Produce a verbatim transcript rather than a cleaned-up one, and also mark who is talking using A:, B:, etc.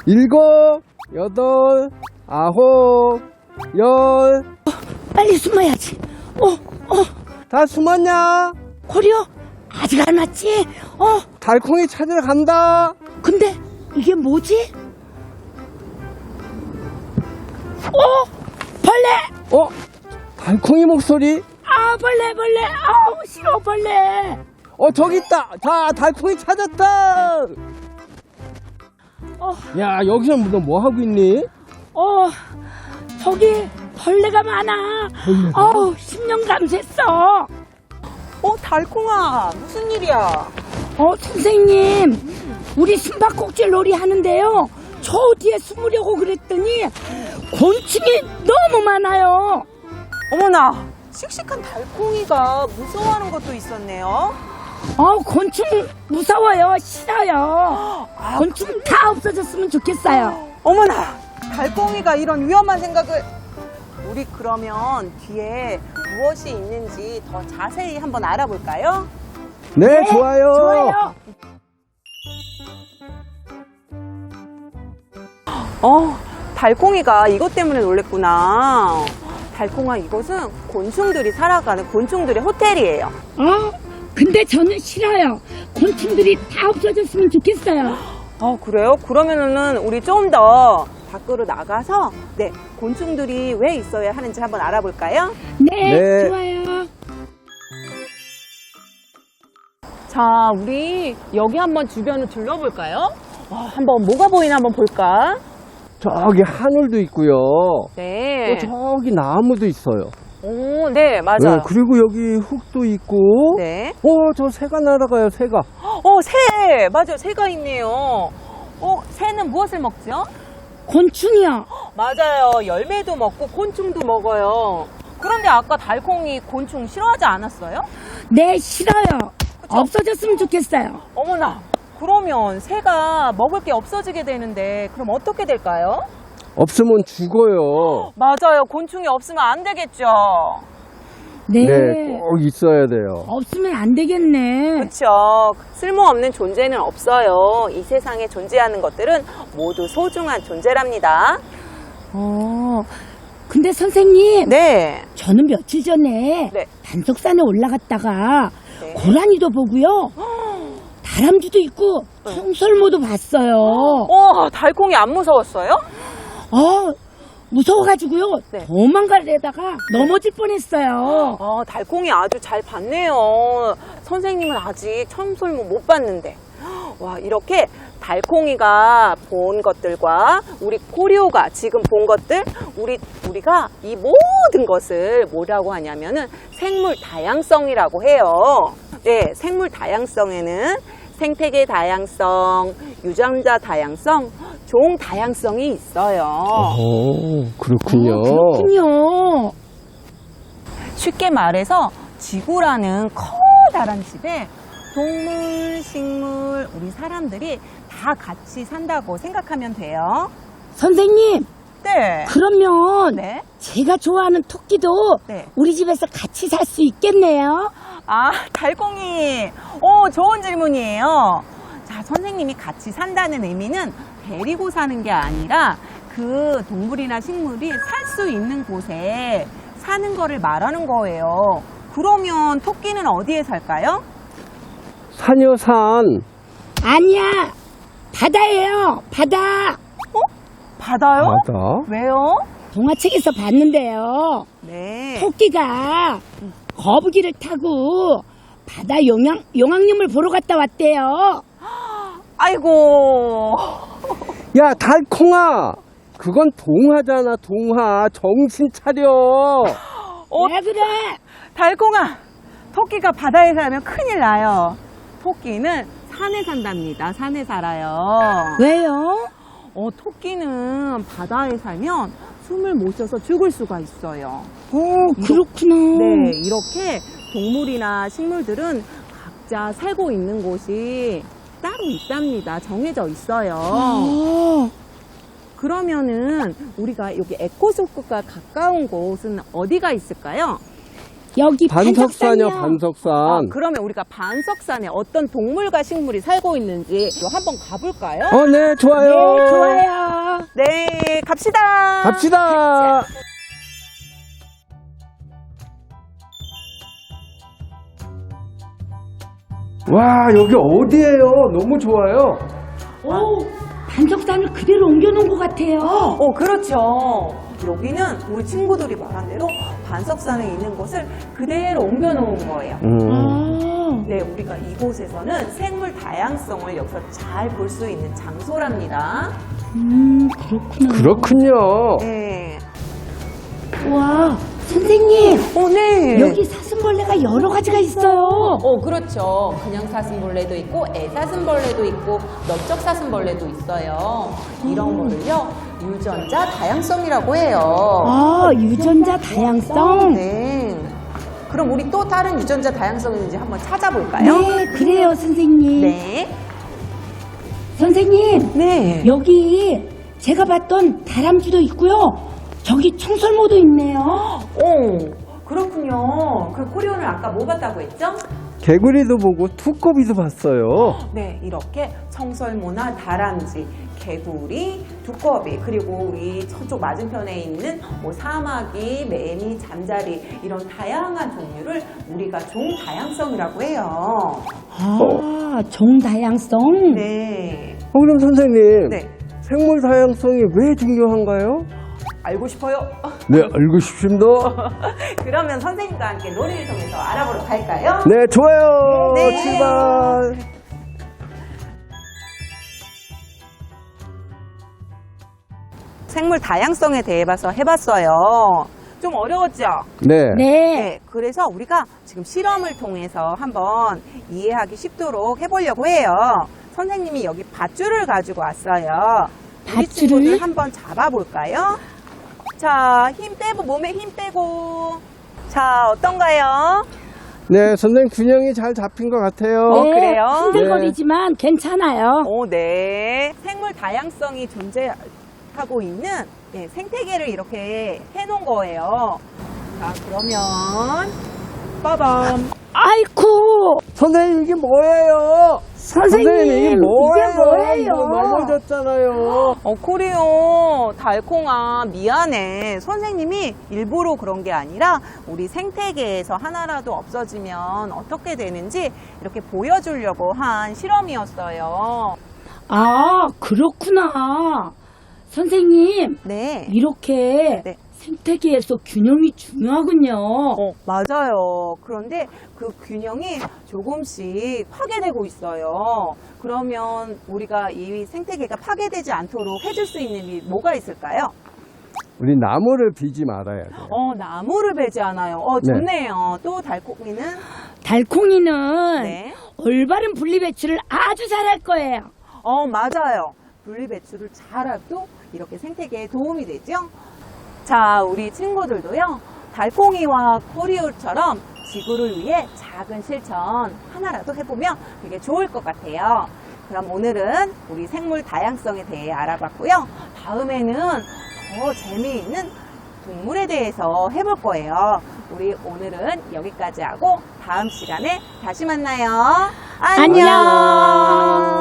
A: 일곱, 여덟, 아홉, 열.
B: 빨리 숨어야지. 어, 어,
A: 다 숨었냐?
B: 고려? 아직 안 왔지? 어,
A: 달콩이 찾으러 간다.
B: 근데 이게 뭐지? 어, 벌레!
A: 어? 달콩이 목소리?
B: 아, 벌레, 벌레. 아우, 싫어, 벌레.
A: 어, 저기 있다. 자, 달콩이 찾았다.
B: 어,
A: 야, 여기서 너 뭐 하고 있니?
B: 어, 저기 벌레가 많아.
A: 벌레가?
B: 어우, 십 년 감수했어.
C: 어, 달콩아, 무슨 일이야?
B: 어, 선생님, 우리 숨바꼭질 놀이 하는데요. 저 뒤에 숨으려고 그랬더니 곤충이 너무 많아요.
C: 어머나, 씩씩한 달콩이가 무서워하는 것도 있었네요.
B: 어, 곤충 무서워요. 싫어요.
C: 아,
B: 곤충 다 없어졌으면 좋겠어요.
C: 어머나, 달콩이가 이런 위험한 생각을. 우리 그러면 뒤에 무엇이 있는지 더 자세히 한번 알아볼까요?
A: 네, 좋아요.
B: 좋아요.
C: 어, 달콩이가 이것 때문에 놀랬구나. 달콩아, 이곳은 곤충들이 살아가는 곤충들의 호텔이에요.
B: 어, 근데 저는 싫어요. 곤충들이 다 없어졌으면 좋겠어요.
C: 어, 그래요? 그러면은 우리 좀 더 밖으로 나가서 네, 곤충들이 왜 있어야 하는지 한번 알아볼까요?
B: 네,
A: 네.
B: 좋아요.
C: 자, 우리 여기 한번 주변을 둘러볼까요? 어, 한번 뭐가 보이나 한번 볼까?
A: 저기 하늘도 있고요.
C: 네.
A: 또 저기 나무도 있어요.
C: 오, 네, 맞아요.
A: 네, 그리고 여기 흙도 있고.
C: 네.
A: 어, 저 새가 날아가요, 새가.
C: 어, 새! 맞아요. 새가 있네요. 어, 새는 무엇을 먹죠?
B: 곤충이요.
C: 맞아요. 열매도 먹고 곤충도 먹어요. 그런데 아까 달콩이 곤충 싫어하지 않았어요?
B: 네, 싫어요. 없어졌으면 좋겠어요.
C: 어머나, 그러면 새가 먹을 게 없어지게 되는데 그럼 어떻게 될까요?
A: 없으면 죽어요.
C: 맞아요. 곤충이 없으면 안 되겠죠.
B: 네.
A: 네, 꼭 있어야 돼요.
B: 없으면 안 되겠네.
C: 그렇죠. 쓸모없는 존재는 없어요. 이 세상에 존재하는 것들은 모두 소중한 존재랍니다.
B: 어, 근데 선생님.
C: 네.
B: 저는 며칠 전에
C: 네.
B: 단석산에 올라갔다가
C: 네.
B: 고라니도 보고요. 다람쥐도 있고 청설모도 봤어요.
C: 어, 달콩이 안 무서웠어요?
B: 어, 무서워가지고요.
C: 네.
B: 도망가려다가 넘어질 뻔했어요.
C: 아, 달콩이 아주 잘 봤네요. 선생님은 아직 청설모 못 봤는데. 와, 이렇게 달콩이가 본 것들과 우리 코리오가 지금 본 것들, 우리, 우리가 이 모든 것을 뭐라고 하냐면은 생물 다양성이라고 해요. 네, 생물 다양성에는 생태계 다양성, 유전자 다양성, 종 다양성이 있어요.
A: 오, 그렇군요.
B: 어, 그렇군요.
C: 쉽게 말해서 지구라는 커다란 집에 동물, 식물, 우리 사람들이 다 같이 산다고 생각하면 돼요.
B: 선생님,
C: 네.
B: 그러면
C: 네.
B: 제가 좋아하는 토끼도
C: 네.
B: 우리 집에서 같이 살 수 있겠네요.
C: 아, 달콩이. 오, 좋은 질문이에요. 자, 선생님이 같이 산다는 의미는 데리고 사는 게 아니라 그 동물이나 식물이 살 수 있는 곳에 사는 거를 말하는 거예요. 그러면 토끼는 어디에 살까요?
A: 산요, 산.
B: 아니야, 바다예요. 바다.
C: 바다요?
A: 바다.
C: 왜요?
B: 동화책에서 봤는데요.
C: 네.
B: 토끼가 거북이를 타고 바다 용왕, 용왕님을 보러 갔다 왔대요.
C: 아이고.
A: 야, 달콩아. 그건 동화잖아, 동화. 정신 차려.
C: 어,
B: 왜 그래?
C: 달콩아, 토끼가 바다에 살면 큰일 나요. 토끼는 산에 산답니다. 산에 살아요.
B: 왜요?
C: 어, 토끼는 바다에 살면 숨을 못 쉬어서 죽을 수가 있어요.
B: 어, 그렇구나.
C: 네, 이렇게 동물이나 식물들은 각자 살고 있는 곳이 따로 있답니다. 정해져 있어요.
B: 어,
C: 그러면은 우리가 여기 에코소크가 가까운 곳은 어디가 있을까요?
B: 여기
A: 반석산이요,
B: 반석산이요.
A: 반석산.
C: 아, 그러면 우리가 반석산에 어떤 동물과 식물이 살고 있는지 한번 가볼까요?
A: 어, 네, 좋아요.
B: 네, 좋아요.
C: 네, 갑시다.
A: 갑시다. 와, 여기 어디예요? 너무 좋아요.
B: 오, 반석산을 그대로 옮겨놓은 것 같아요.
C: 어, 그렇죠. 여기는 우리 친구들이 말한 대로 반석산에 있는 곳을 그대로 옮겨놓은 거예요.
A: 음.
B: 아,
C: 네, 우리가 이곳에서는 생물 다양성을 여기서 잘 볼 수 있는 장소랍니다.
B: 음, 그렇구나.
A: 그렇군요.
C: 네.
B: 와, 선생님,
C: 어, 네.
B: 여기 사슴벌레가 여러 가지가 있어요.
D: 어, 그렇죠. 그냥 사슴벌레도 있고 애사슴벌레도 있고 넓적 사슴벌레도 있어요. 이런 거를요 유전자 다양성이라고 해요.
B: 아, 유전자 다양성?
C: 네. 그럼 우리 또 다른 유전자 다양성이 있는지 한번 찾아볼까요?
B: 네, 그래요, 선생님.
C: 네.
B: 선생님,
C: 네.
B: 여기 제가 봤던 다람쥐도 있고요. 저기 청설모도 있네요.
C: 오, 그렇군요. 그 코리온을 아까 뭐 봤다고 했죠?
A: 개구리도 보고 두꺼비도 봤어요.
C: 네, 이렇게 청설모나 다람쥐, 개구리, 두꺼비, 그리고 우리 저쪽 맞은편에 있는 뭐 사마귀, 매미, 잠자리 이런 다양한 종류를 우리가 종 다양성이라고 해요.
B: 아, 종다양성?
C: 네.
A: 어, 그럼 선생님,
C: 네.
A: 생물 다양성이 왜 중요한가요?
C: 알고 싶어요?
A: 네, 알고 싶습니다.
C: 그러면 선생님과 함께 놀이를 통해서 알아보러 갈까요?
A: 네, 좋아요.
C: 네.
A: 출발.
C: 생물 다양성에 대해 봐서 해봤어요. 좀 어려웠죠?
A: 네.
B: 네.
C: 네, 그래서 우리가 지금 실험을 통해서 한번 이해하기 쉽도록 해보려고 해요. 선생님이 여기 밧줄을 가지고 왔어요. 우리
B: 밧줄을?
C: 친구들 한번 잡아볼까요? 자, 힘 빼고, 몸에 힘 빼고. 자, 어떤가요?
A: 네, 선생님 균형이 잘 잡힌 것 같아요.
C: 어, 그래요?
B: 흔들거리지만 괜찮아요.
C: 오, 네. 생물 다양성이 존재하고 있는 네, 생태계를 이렇게 해놓은 거예요. 자, 그러면 빠밤.
B: 아이쿠,
A: 선생님, 이게 뭐예요?
B: 선생님,
A: 이게 뭐예요?
B: 이게 뭐예요?
A: 뭐 넘어졌잖아요.
C: 어, 코리오, 달콩아, 미안해. 선생님이 일부러 그런 게 아니라 우리 생태계에서 하나라도 없어지면 어떻게 되는지 이렇게 보여주려고 한 실험이었어요.
B: 아, 그렇구나. 선생님,
C: 네.
B: 이렇게
C: 네.
B: 생태계에서 균형이 중요하군요.
C: 어, 맞아요. 그런데 그 균형이 조금씩 파괴되고 있어요. 그러면 우리가 이 생태계가 파괴되지 않도록 해줄 수 있는 일이 뭐가 있을까요?
A: 우리 나무를 비지 말아야 돼요.
C: 어, 나무를 베지 않아요. 어,
A: 네.
C: 좋네요. 또 달콩이는?
B: 달콩이는
C: 네.
B: 올바른 분리배출을 아주 잘할 거예요.
C: 어, 맞아요. 분리배출을 잘해도 이렇게 생태계에 도움이 되죠? 자, 우리 친구들도요, 달콩이와 코리올처럼 지구를 위해 작은 실천 하나라도 해보면 되게 좋을 것 같아요. 그럼 오늘은 우리 생물 다양성에 대해 알아봤고요. 다음에는 더 재미있는 동물에 대해서 해볼 거예요. 우리 오늘은 여기까지 하고 다음 시간에 다시 만나요. 안녕.
B: 안녕.